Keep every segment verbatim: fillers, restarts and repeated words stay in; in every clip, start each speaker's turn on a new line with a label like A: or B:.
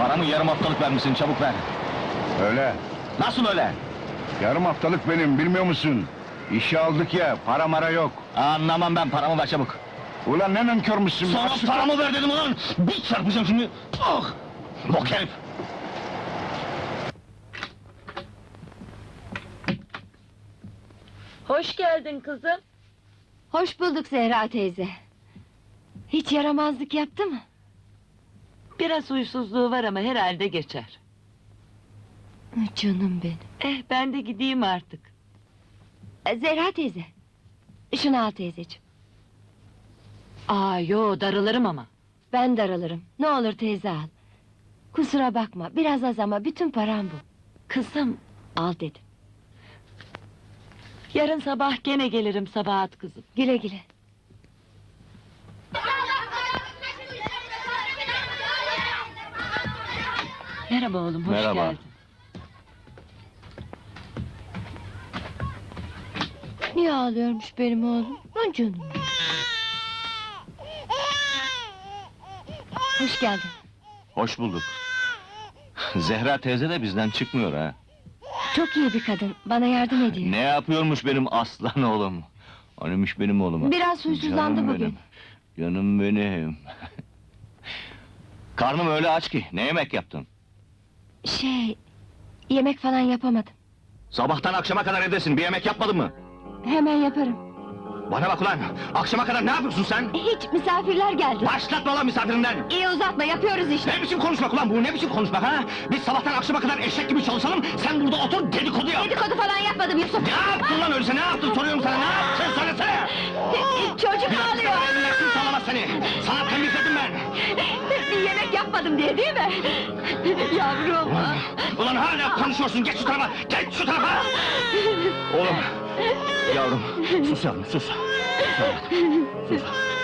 A: Paramı yarım haftalık vermişsin, çabuk ver!
B: Öyle.
A: Nasıl öyle?
B: Yarım haftalık benim, bilmiyor musun? İşe aldık ya, para mara yok.
A: Anlamam ben, paramı ver çabuk!
B: Ulan ne nankörmüşsün!
A: Sana
B: Açık-
A: paramı ver dedim ulan! Bir çarpacağım şimdi! Ah! Bok herif!
C: Hoş geldin kızım.
D: Hoş bulduk Zehra teyze. Hiç yaramazlık yaptı mı?
C: Biraz huysuzluğu var ama herhalde geçer.
D: Canım benim.
C: Eh, ben de gideyim artık.
D: E, Zehra teyze. Şunu al teyzeciğim.
C: Aa, yo, darılırım ama.
D: Ben daralırım. Ne olur teyze al. Kusura bakma, biraz az ama bütün param bu.
C: Kızım,
D: Al dedim.
C: yarın sabah gene gelirim Sabahat kızım.
D: Güle güle.
C: Merhaba oğlum, hoş
A: Merhaba.
C: geldin.
D: Niye ağlıyormuş benim oğlum? Lan canım. Hoş geldin.
A: Hoş bulduk! Zehra teyze de bizden çıkmıyor ha!
D: Çok iyi bir kadın, bana yardım ediyor.
A: Ne yapıyormuş benim aslan oğlum? Anıymış benim oğluma?
D: Biraz huysuzlandı
A: Canım
D: bugün.
A: benim, Canım benim! Karnım öyle aç ki, ne yemek yaptın?
D: Şey... Yemek falan yapamadım.
A: Sabahtan akşama kadar evdesin, bir yemek yapmadın mı?
D: Hemen yaparım.
A: Bana bak ulan! Akşama kadar ne yapıyorsun sen?
D: Hiç misafirler geldi.
A: Başlatma lan misafirinden!
D: İyi uzatma, yapıyoruz işte.
A: Ne biçim konuşmak ulan bu, ne biçim konuşmak ha? Biz sabahtan akşama kadar eşek gibi çalışalım, sen burada otur dedikodu yap!
D: Dedikodu falan yapmadım Yusuf.
A: Ne yaptın lan öyleyse, ne yaptın soruyorum sana, ne yaptın söylesene!
D: Çocuk ağlıyor.
A: Ellersin sağlamaz seni! Sana temizledim ben!
D: Bir yemek yapmadım diye değil mi? Yavrum.
A: Ulan, ulan hala konuşuyorsun, geç şu tarafa, geç şu tarafa! Oğlum, yavrum, sus yavrum, sus! Sus yavrum, sus!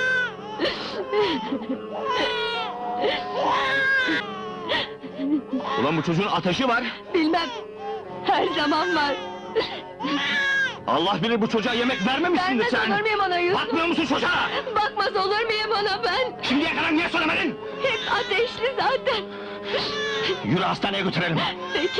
A: Ulan bu çocuğun ateşi var!
D: Bilmem. Her zaman var.
A: Allah bilir bu çocuğa yemek vermemişsindir
D: Vermez
A: sen!
D: olur muyum ona Yusuf?
A: Bakmıyor musun çocuğa?
D: Bakmaz olur muyum ona ben?
A: Şimdiye kadar niye söylemedin?
D: Hep ateşli zaten.
A: Yürü hastaneye götürelim!
D: Peki.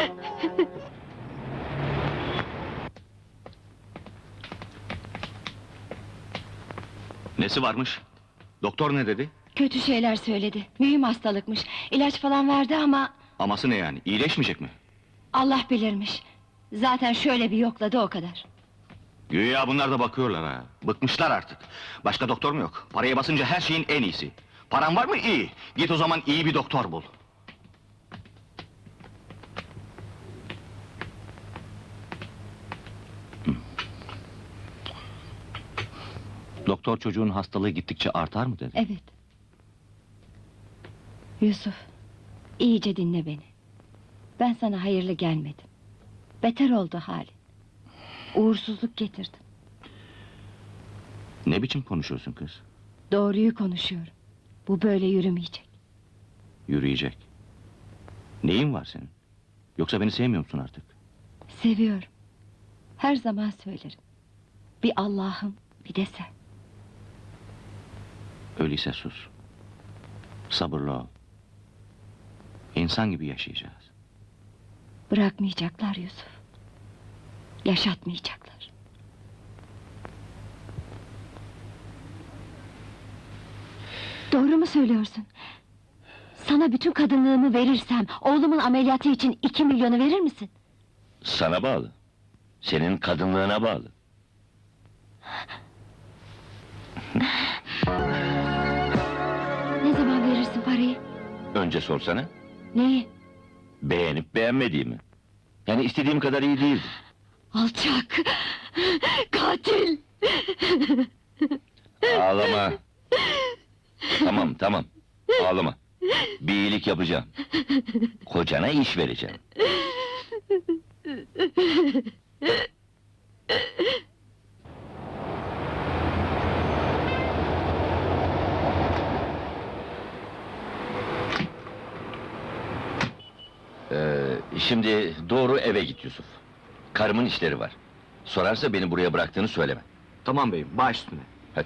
A: Nesi varmış? Doktor ne dedi?
D: Kötü şeyler söyledi. Mühim hastalıkmış. İlaç falan verdi ama...
A: Aması ne yani, iyileşmeyecek mi?
D: Allah bilirmiş. Zaten şöyle bir yokladı o kadar.
A: Güya bunlar da bakıyorlar ha. Bıkmışlar artık. Başka doktor mu yok? Paraya basınca her şeyin en iyisi. Paran var mı? İyi. Git o zaman iyi bir doktor bul. Hı. Doktor çocuğun hastalığı gittikçe artar mı dedi?
D: Evet. Yusuf, iyice dinle beni. Ben sana hayırlı gelmedim. Beter oldu halin. Uğursuzluk getirdim.
A: Ne biçim konuşuyorsun kız?
D: Doğruyu konuşuyorum. Bu böyle yürümeyecek.
A: Yürüyecek. Neyin var senin? Yoksa beni sevmiyor musun artık?
D: Seviyorum. Her zaman söylerim. Bir Allah'ım, bir de sen.
A: Öyleyse sus. Sabırlı ol. İnsan gibi yaşayacağız.
D: Bırakmayacaklar Yusuf. Yaşatmayacaklar. Doğru mu söylüyorsun? Sana bütün kadınlığımı verirsem, oğlumun ameliyatı için iki milyonu verir misin?
A: Sana bağlı. Senin kadınlığına bağlı.
D: Ne zaman verirsin parayı?
A: Önce sorsana.
D: Neyi?
A: Beğenip beğenmediğimi. Yani istediğim kadar iyi değildi.
D: Alçak! Katil!
A: Ağlama. Tamam tamam. Ağlama. Bir iyilik yapacağım. Kocana iş vereceğim. Ee, şimdi doğru eve git Yusuf. Karımın işleri var. Sorarsa beni buraya bıraktığını söyleme.
E: Tamam beyim, baş üstüne.
A: Hadi.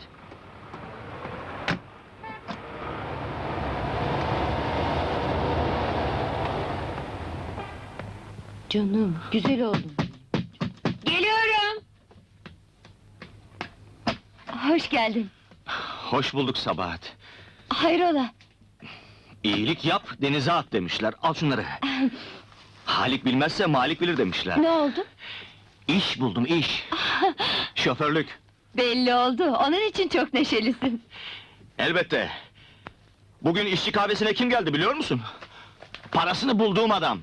D: Canım, güzel oldum. Geliyorum. Hoş geldin.
A: Hoş bulduk Sabahat.
D: Hayrola?
A: İyilik yap, denize at demişler. Al şunları. Halik bilmezse Malik bilir demişler.
D: Ne oldu?
A: İş buldum, iş. Şoförlük.
D: Belli oldu. Onun için çok neşelisin.
A: Elbette. Bugün işçi kahvesine kim geldi biliyor musun? Parasını bulduğum adam.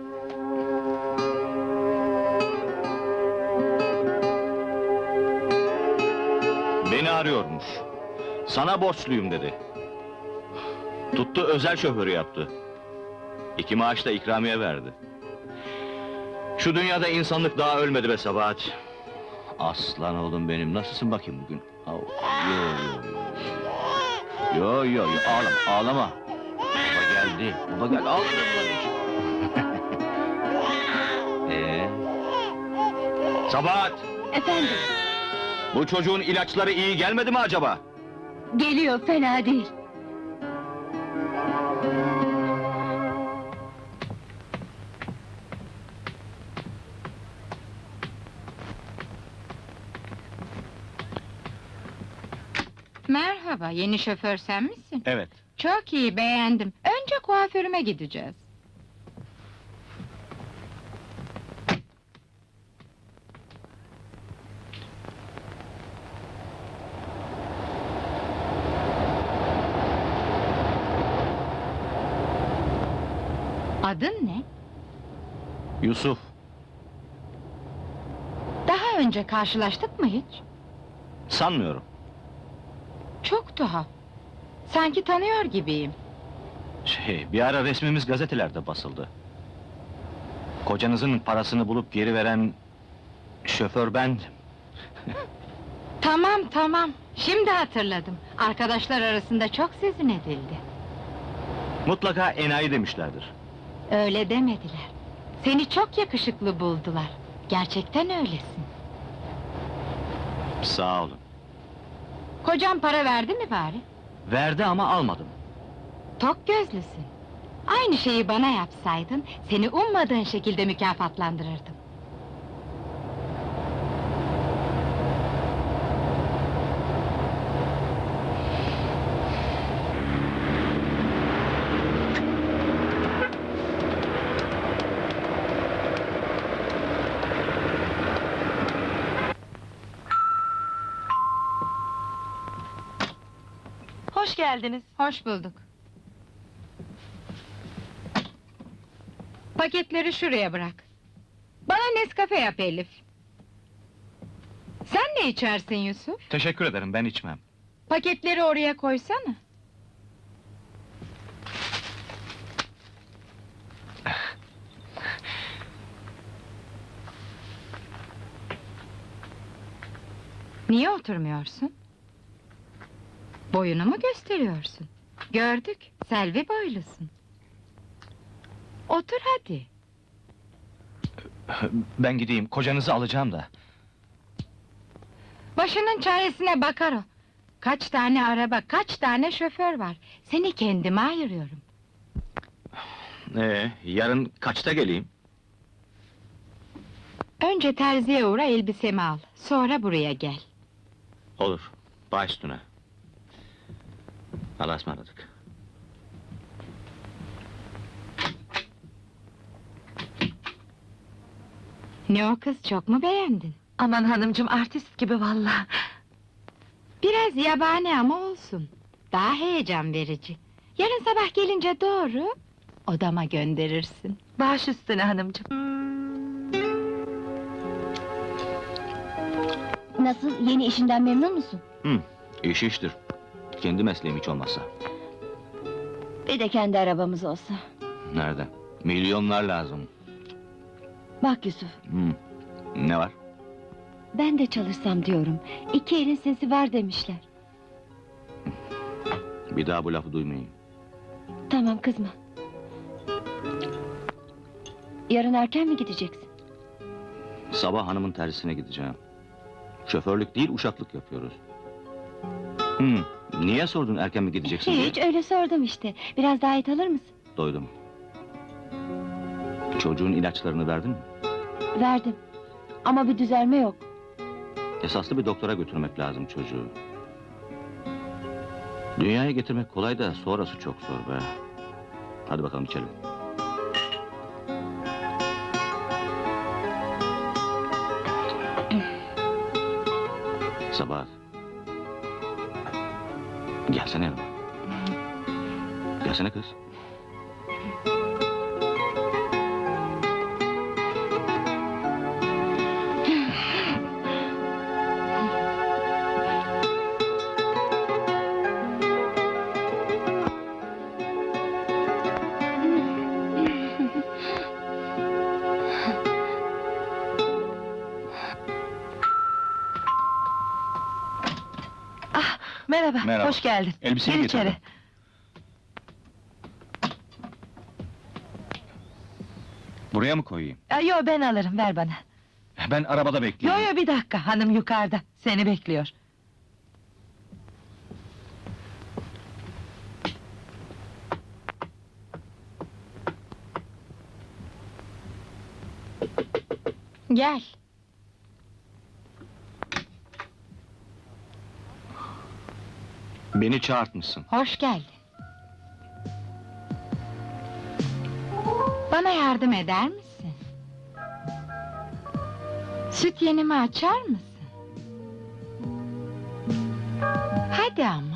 A: Beni arıyormuş. Sana borçluyum dedi. Tuttu özel şoförü yaptı. İki maaş da ikramiye verdi. Şu dünyada insanlık daha ölmedi be Sabahat. Aslan oğlum benim, nasılsın bakayım bugün? Au, Yo yo yo. Yo yo yo, ağlama, ağlama. Baba geldi, baba geldi, ağlama Ee? Sabahat,
D: Efendim,
A: bu çocuğun ilaçları iyi gelmedi mi acaba?
D: geliyor, fena değil.
E: Merhaba, yeni şoför sen misin?
A: Evet.
E: Çok iyi, beğendim. Önce kuaförüme gideceğiz. Adın ne?
A: Yusuf,
E: Daha önce karşılaştık mı hiç?
A: sanmıyorum.
E: Çok tuhaf. Sanki tanıyor gibiyim.
A: Şey, bir ara resmimiz gazetelerde basıldı. Kocanızın parasını bulup geri veren şoför bendim.
E: Tamam tamam, şimdi hatırladım. Arkadaşlar arasında çok sözün edildi.
A: Mutlaka enayi demişlerdir.
E: Öyle demediler. Seni çok yakışıklı buldular. Gerçekten öylesin.
A: Sağ olun.
E: Kocan para verdi mi bari?
A: Verdi ama almadım.
E: Tok gözlüsün. Aynı şeyi bana yapsaydın, seni ummadığın şekilde mükafatlandırırdım.
C: Hoş geldiniz.
E: Hoş bulduk. Paketleri şuraya bırak. Bana Nescafe yap Elif. Sen ne içersin Yusuf?
A: Teşekkür ederim, ben içmem.
E: Paketleri oraya koysana. Niye oturmuyorsun? Boyunu mu gösteriyorsun? Gördük, Selvi boylusun. Otur hadi.
A: Ben gideyim, kocanızı alacağım da.
E: Başının çaresine bakar o. Kaç tane araba, kaç tane şoför var. Seni kendime ayırıyorum.
A: Ee, yarın kaçta geleyim?
E: Önce terziye uğra, elbisemi al. Sonra buraya gel.
A: Olur, baş üstüne. Allah'a ısmarladık.
E: Ne o kız, çok mu beğendin?
C: Aman hanımcığım, artist gibi vallahi.
E: Biraz yabani ama olsun. Daha heyecan verici. Yarın sabah gelince doğru odama gönderirsin.
C: Baş üstüne hanımcığım.
D: Nasıl, yeni işinden memnun musun?
A: Hı, iş iştir. Kendi mesleğim hiç olmazsa.
D: Bir de kendi arabamız olsa.
A: Nerede? Milyonlar lazım.
D: Bak Yusuf,
A: Hı. Ne var?
D: ben de çalışsam diyorum. İki elin sesi var demişler.
A: Bir daha bu lafı duymayayım.
D: Tamam, kızma. Yarın erken mi gideceksin?
A: Sabah hanımın tersine gideceğim. Şoförlük değil, uşaklık yapıyoruz. Hı, niye sordun erken mi gideceksin diye?
D: Hiç, öyle sordum işte. Biraz daha et alır mısın?
A: Doydum. Çocuğun ilaçlarını verdin mi?
D: Verdim. Ama bir düzelme yok.
A: Esaslı bir doktora götürmek lazım çocuğu. Dünyaya getirmek kolay da sonrası çok zor be. Hadi bakalım içelim. Sabah. Gelsene yanıma. Gelsene kız.
C: Merhaba,
B: Merhaba.
C: hoş geldin.
B: Elbiseyi
C: Gir
B: getirdim.
C: içeri.
B: Buraya mı koyayım?
C: Aa, Yo ben alırım, ver bana.
B: Ben arabada
C: Yo
B: bekliyorum.
C: yo bir dakika, hanım yukarıda, seni bekliyor.
E: Gel.
A: Beni çağırtmışsın.
E: Hoş geldin. Bana yardım eder misin? Süt yenimi açar mısın? Hadi ama.